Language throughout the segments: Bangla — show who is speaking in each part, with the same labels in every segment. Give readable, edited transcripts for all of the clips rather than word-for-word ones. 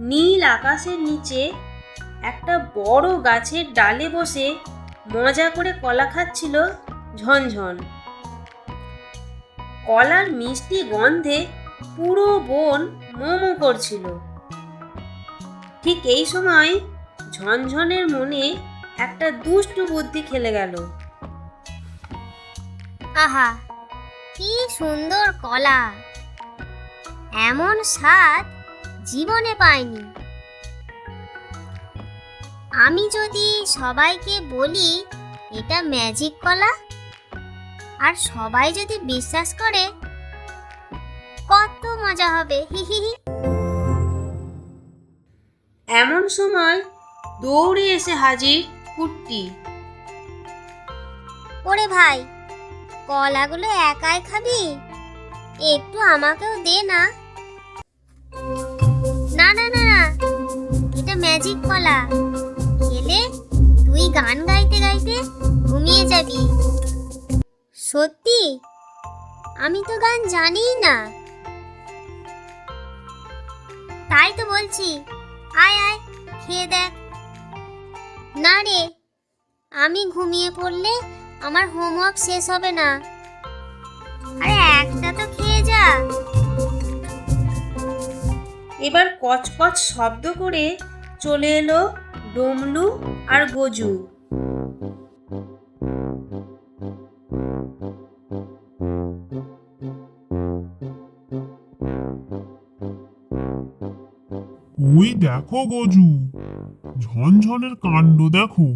Speaker 1: নীল আকাশের নিচে একটা বড় গাছের ডালে বসে মজা করে কলা খাচ্ছিল ঝনঝন। কলার মিষ্টি গন্ধে পুরো বন মোমো করছিল। ঠিক এই সময় ঝনঝনের মনে একটা দুষ্টু বুদ্ধি খেলে গেল।
Speaker 2: আহা, কি সুন্দর কলা! এমন স্বাদ জীবনে পাইনি। আমি যদি সবাইকে বলি এটা ম্যাজিক কলা, আর সবাই যদি বিশ্বাস করে, কত মজা হবে! হি হি হি।
Speaker 1: এমন সময় দৌড়ে এসে হাজির কুট্টি।
Speaker 2: ওরে ভাই, কলাগুলো একাই খাবি? একটু আমাকেও দে না। না না না না, এটা ম্যাজিক কলা। খেলে তুই গান গাইতে গাইতে ঘুমিয়ে যাবি। সত্যি? আমি তো গান জানিই না। তাই তো বলছি, আয় আয়, খেয়ে দেখ। না রে, আমি ঘুমিয়ে পড়লে আমার হোমওয়ার্ক শেষ হবে না। আরে একটা তো খেয়ে যা।
Speaker 1: এবার কচকচ শব্দ করে চলে এলো ডমলু আর গজু।
Speaker 3: ওই দেখো গজু, ঝনঝনের কাণ্ড দেখো।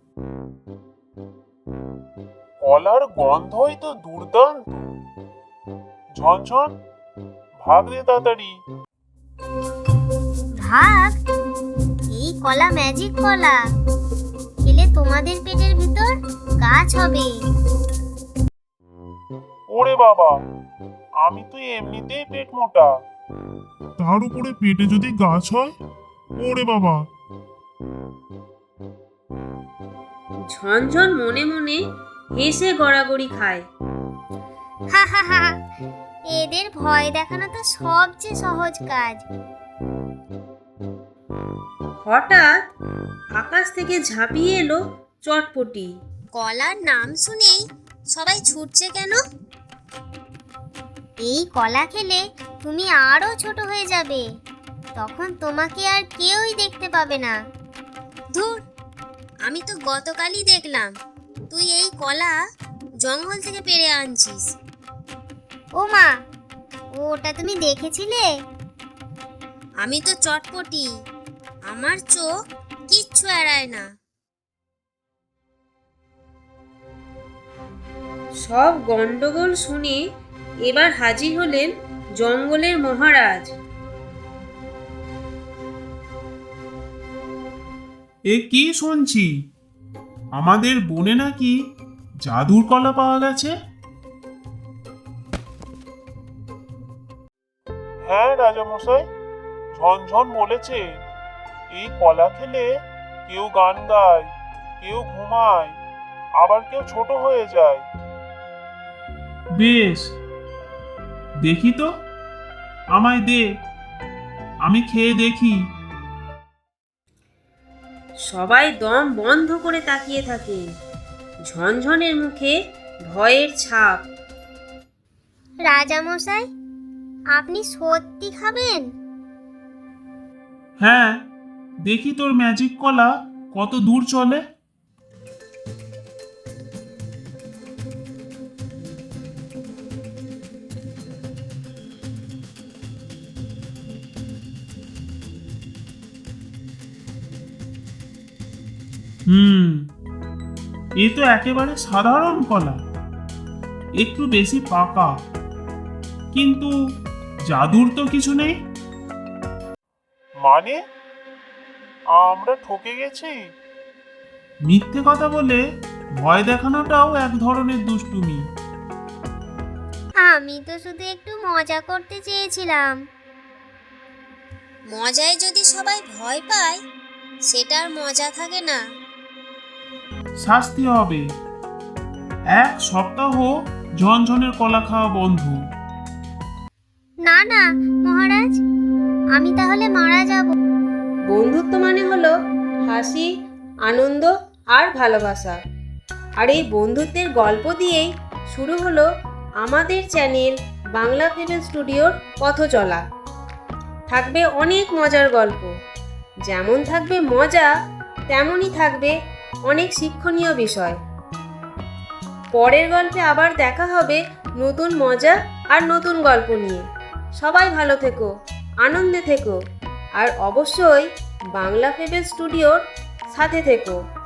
Speaker 3: কলার গন্ধই তো দুর্দান্ত। ঝনঝন, ভাগ রে তাড়াতাড়ি।
Speaker 2: ভাগ? এই কলা ম্যাজিক কলা। খেলে তোমাদের পেটের ভিতর গাছ হবে।
Speaker 3: ওরে বাবা, আমি তো এমনিতেই পেট মোটা, তার উপরে পেটে যদি গাছ হয়, ওরে বাবা।
Speaker 1: ঝনঝন মনে মনে হেসে গড়াগড়ি খায়।
Speaker 2: হা হা হা, এদের ভয় দেখানো তো সবচেয়ে সহজ কাজ।
Speaker 1: হঠাৎ আকাশ থেকে ঝাঁপিয়ে এলো চটপটি।
Speaker 2: কলার নাম শুনেই সবাই ছুটছে কেন? এই কলা খেলে তুমি আরো ছোট হয়ে যাবে। তখন তোমাকে আর কেউই দেখতে পাবে না। ধুর, আমি তো গতকালই দেখলাম তুই এই কলা জঙ্গল থেকে পেড়ে আনছিস। ও মা, ওটা তুমি দেখেছিলে? আমি তো চটপটি, আমার চোখ কিচ্ছু এড়ায় না।
Speaker 1: সব গন্ডগোল শুনে এবার হাজির হলেন জঙ্গলের মহারাজ।
Speaker 3: এ কি শুনছি? আমাদের বনে নাকি জাদুর কলা পাওয়া গেছে? হ্যাঁ রাজামশাই, ঝনঝন বলেছে এই কলা খেলে কেউ গান গায়, কেউ ঘুমায়, আবার কেউ ছোট হয়ে যায়। বেশ, দেখি তো, আমায় দে, আমি খেয়ে দেখি।
Speaker 1: সবাই দম বন্ধ করে তাকিয়ে থাকে। ঝনঝনের মুখে ভয়ের ছাপ।
Speaker 2: রাজামশাই, আপনি সত্যি খাবেন?
Speaker 3: হ্যাঁ, দেখি তোর ম্যাজিক কলা কত দূর চলে। এ তো একেবারে সাধারণ কলা, একটু বেশি পাকা, কিন্তু জাদুর তো কিছু নেই। মানে আমরা ঠকে গেছি? মিথ্যে কথা বলে ভয় দেখানোটাও এক ধরনের দুষ্টুমি।
Speaker 2: আমি তো শুধু একটু মজা করতে চেয়েছিলাম। মজায় যদি সবাই ভয় পায়, সেটার মজা থাকে না।
Speaker 3: শাস্তি হবে, 1 সপ্তাহ ঝনঝনের কলা খাওয়া বন্ধ।
Speaker 2: না না মহারাজ, আমি তাহলে মারা যাব।
Speaker 1: হাসি, আনন্দ আর ভালোবাসা। আর এই বন্ধুত্বের গল্প দিয়েই শুরু হলো আমাদের চ্যানেল বাংলা ফেভেল স্টুডিওর পথ চলা। থাকবে অনেক মজার গল্প, যেমন থাকবে মজা তেমনই থাকবে অনেক শিক্ষণীয় বিষয়। পরের গল্পে আবার দেখা হবে নতুন মজা আর নতুন গল্প নিয়ে। সবাই ভালো থেকো, আনন্দে থেকো আর অবশ্যই বাংলা ফেভেল স্টুডিওর সাথে থেকো।